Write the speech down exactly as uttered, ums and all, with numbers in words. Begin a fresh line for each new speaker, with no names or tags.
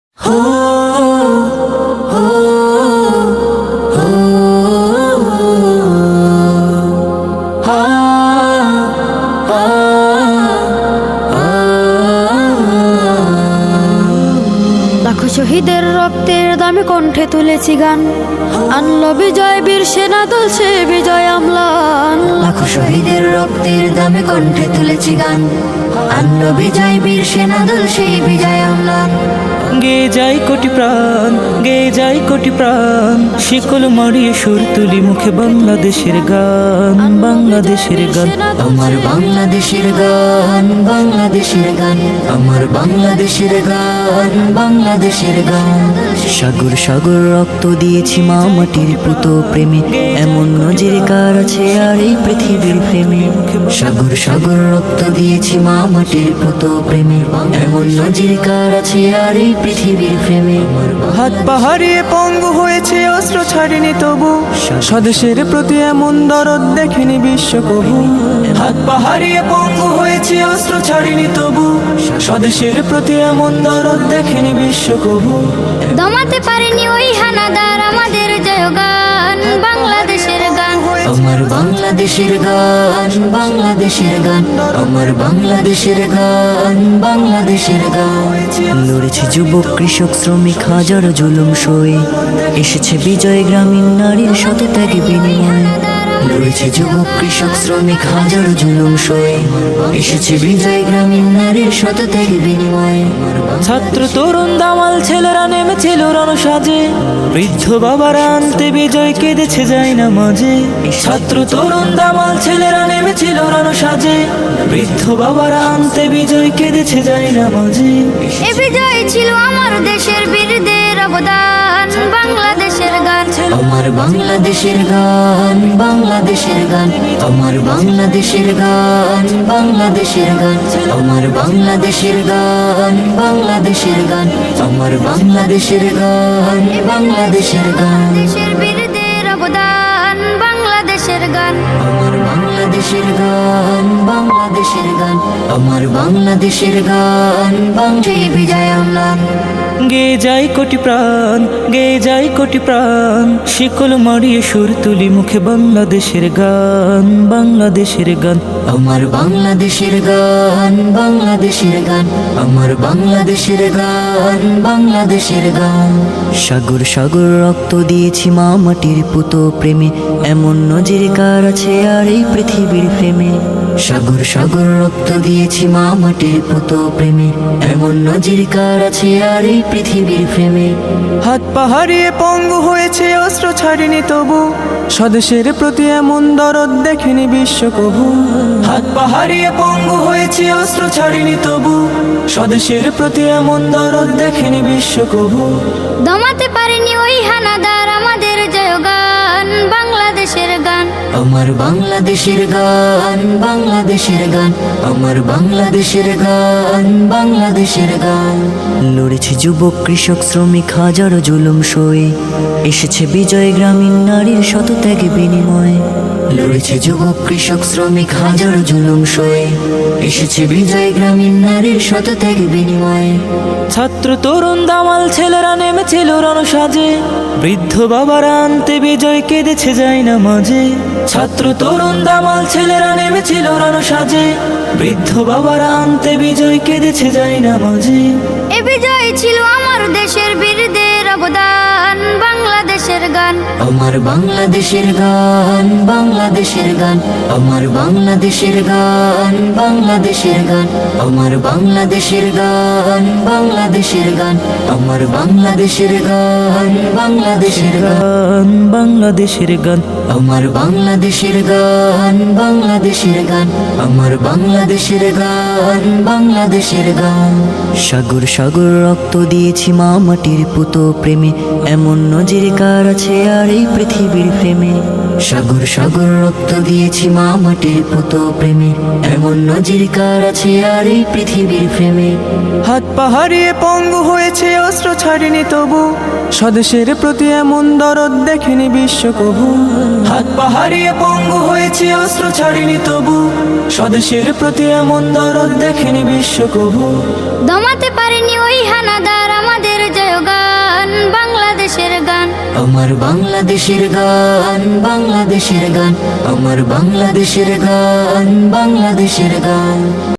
লাখো শহীদের রক্তের দামে কণ্ঠে তুলেছি গান, আনলো বিজয় বীর সেনা দল সে বিজয় আমলান।
লাখো শহীদের রক্তের দামে কণ্ঠে তুলেছি গান, আনলো বিজয় বীর সেনা দল সেই বিজয় আমলান।
গে যাই কোটি প্রাণ, গে যাই কোটি প্রাণ, শিকল মারিয়ে সুর তুলি মুখে বাংলাদেশের গান, বাংলাদেশের গান।
আমার বাংলাদেশের গান, বাংলাদেশের গান, আমার বাংলাদেশের গান, বাংলাদেশের গান।
সাগর সাগর রক্ত দিয়েছি মা মাটির পুত প্রেমে, এমন নজির কার আছে আর এই পৃথিবীর প্রেমে।
সাগর সাগর রক্ত দিয়েছি মা মাটির পুত প্রেমে, এমন নজির কার আছে আর এই পৃথিবীর প্রেমে।
হাত পাহাড়িয়ে পঙ্গু হয়েছে অস্ত্র ছাড়িনি তবু, স্বদেশের প্রতি এমন দরদ দেখেনি বিশ্ব কবু। হাত পাহাড়িয়ে পঙ্গু হয়েছে অস্ত্র ছাড়িনি তবু, স্বদেশের প্রতি এমন দরদ দেখেনি বিশ্ব কবু।
দমাতে পারেনি ওই হানাদার আমাদের জয়গান, বাংলাদেশের গান।
আমার বাংলাদেশের গান, বাংলাদেশের গান, আমার বাংলাদেশের গান, বাংলাদেশের গান।
লড়েছে যুবক কৃষক শ্রমিক হাজার জুলুম সয়ে, এসেছে বিজয় গ্রামীণ নারীর শতত্যাগী বিনিময়ে।
লড়েছে যুবক কৃষক শ্রমিক হাজার জুলুম সয়ে, এসেছে বিজয় গ্রামীণ নারীর শতত্যাগী বিনিময়ে।
ছাত্র তরুণ দামাল ছেলেরা নেমেছিল রণসাজে, বৃদ্ধ বাবারা আনতে বিজয় কেঁদেছে যায় না মাঝে। ছাত্র তরুণ দামাল ছেলেরা নেমেছিল রণসাজে, বৃদ্ধ বাবারা আনতে বিজয় কেঁদেছে যায় না মাঝে।
এ বিজয় ছিল আমার দেশের বীরদের অবদান, বাংলাদেশের গান।
আমার বাংলাদেশের গান, বাংলাদেশের গান, আমার বাংলাদেশের গান, বাংলাদেশের গান, আমার বাংলাদেশের গান, বাংলাদেশের গান, আমার বাংলাদেশের গান, বাংলাদেশের গান।
দেশের বীরদের অবদান, বাংলাদেশের গান।
আমার বাংলাদেশের গান, বাংলাদেশের গান, আমার বাংলাদেশের গান, বাংলাদেশ বিজয় আমলান।
গে যাই কোটি প্রাণ, গে যাই কোটি প্রাণ, শিকল মারিয়ে সুর তুলি মুখে বাংলাদেশের গান, বাংলাদেশের গান।
আমার বাংলাদেশের গান, বাংলাদেশের গান, আমার বাংলাদেশের গান, বাংলাদেশের গান।
সাগর সাগর রক্ত দিয়েছি মা মাটির পুত প্রেমে, এমন নজির কার আছে আর এই পৃথিবীর প্রেমে।
সাগর সাগর রক্ত দিয়েছি মা মাটির পুত প্রেমে, এমন নজির কার আছে আর এই পৃথিবীর প্রেমে।
হাত পাহাড়িয়ে পঙ্গু হয়েছে অস্ত্র ছাড়িনি তবু, স্বদেশের প্রতি এমন দরদ দেখেনি বিশ্ব কবু। হাত পাহাড়িয়ে পঙ্গু হয়েছে অস্ত্র ছাড়িনি তবু, স্বদেশের প্রতি এমন দরদ দেখেনি বিশ্ব কবু।
দমাতে পারেনি ওই হানাদার আমাদের জয়গান, বাংলাদেশের গান।
আমার বাংলাদেশের গান, বাংলাদেশের গান, আমার বাংলাদেশের গান, বাংলাদেশের গান।
লড়েছে যুবক কৃষক শ্রমিক হাজার জুলুম সয়ে, এসেছে বিজয় গ্রামীণ নারীর শতত্যাগী বিনিময়ে।
লড়েছে যুবক কৃষক শ্রমিক হাজার জুলুম সয়ে, এসেছে বিজয় গ্রামীণ নারীর শতত্যাগী বিনিময়ে।
ছাত্র তরুণ দামাল ছেলেরা নেমেছিল রণসাজে, বৃদ্ধ বাবারা আনতে বিজয় কেঁদেছে যায় না মাঝে। ছাত্র তরুণ দামাল ছেলেরা নেমেছিল রণসাজে, বৃদ্ধ বাবারা আনতে বিজয় কেঁদেছে যায় না মাঝে।
এ বিজয় ছিল আমার দেশের বীরদের অবদান, বাংলাদেশের গান।
আমার বাংলাদেশের গান, বাংলাদেশের গান, আমার বাংলাদেশের গান, বাংলাদেশের গান, আমার বাংলাদেশের গান, বাংলাদেশের গান, আমার বাংলাদেশের গান, বাংলাদেশের গান,
গান, বাংলাদেশের গান।
আমার বাংলাদেশের গান, বাংলাদেশের গান, আমার বাংলাদেশের গান, বাংলাদেশের গান।
সাগর সাগর রক্ত দিয়েছি মা মাটির পুত প্রেমে, এমন নজির কার আছে আর এই পৃথিবীর প্রেমে।
সাগর সাগর রক্ত দিয়েছি মা মাটির পুত প্রেমে, এমন নজির কার আছে আর এই পৃথিবীর প্রেমে।
হাত পাহাড়িয়ে পঙ্গু হয়েছে অস্ত্র ছাড়িনি তবু, স্বদেশের প্রতি এমন দরদ দেখেনি বিশ্ব কবু। হাত পাহাড়িয়ে পঙ্গু হয়েছে অস্ত্র ছাড়িনি তবু, স্বদেশের প্রতি এমন দরদ দেখেনি বিশ্ব কবু।
দমাতে পারেনি ওই হানাদার আমাদের জয়
আমার বাংলাদেশের গান বাংলাদেশের গান আমার বাংলাদেশের গান বাংলাদেশের গান